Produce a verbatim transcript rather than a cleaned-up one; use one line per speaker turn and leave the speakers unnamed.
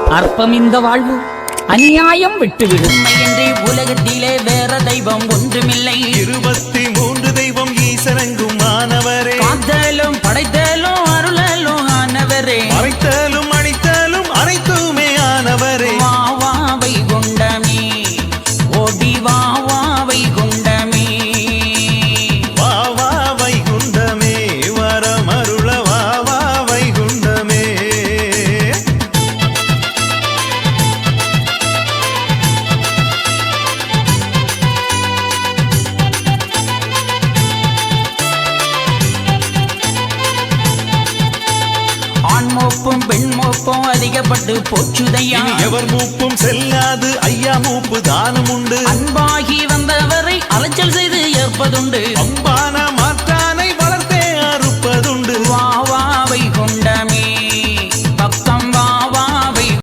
அற்பம் இந்த வாழ்வு அநியாயம் விட்டுவிடும்
உண்மையின்றி உலகத்திலே வேற தெய்வம் ஒன்றுமில்லை.
இருபத்தி மூன்று தெய்வம் ஈசரங்கும் ஆனவரே.
காத்தலும் படைத்தலும் அருளலும் ஆனவரே.
மறைத்தலும் அழித்தலும் அனைத்துமே ஆனவரே.
வா வா வைகுண்டமே ஓடி வா வா வைகுண்டமே.
வா வா வைகுண்டமே வரமருள வா வா வைகுண்டமே.
ஆண் மோப்பும் பெண் மோப்பும் அதிகப்பட்டு போச்சுதையா.
இனி எவர் மூப்பும் செல்லாது ஐயா மூப்பு தானும் உண்டு.
அன்பாகி வந்தவரை அலைச்சல் செய்து ஏற்பதுண்டு.
அம்பான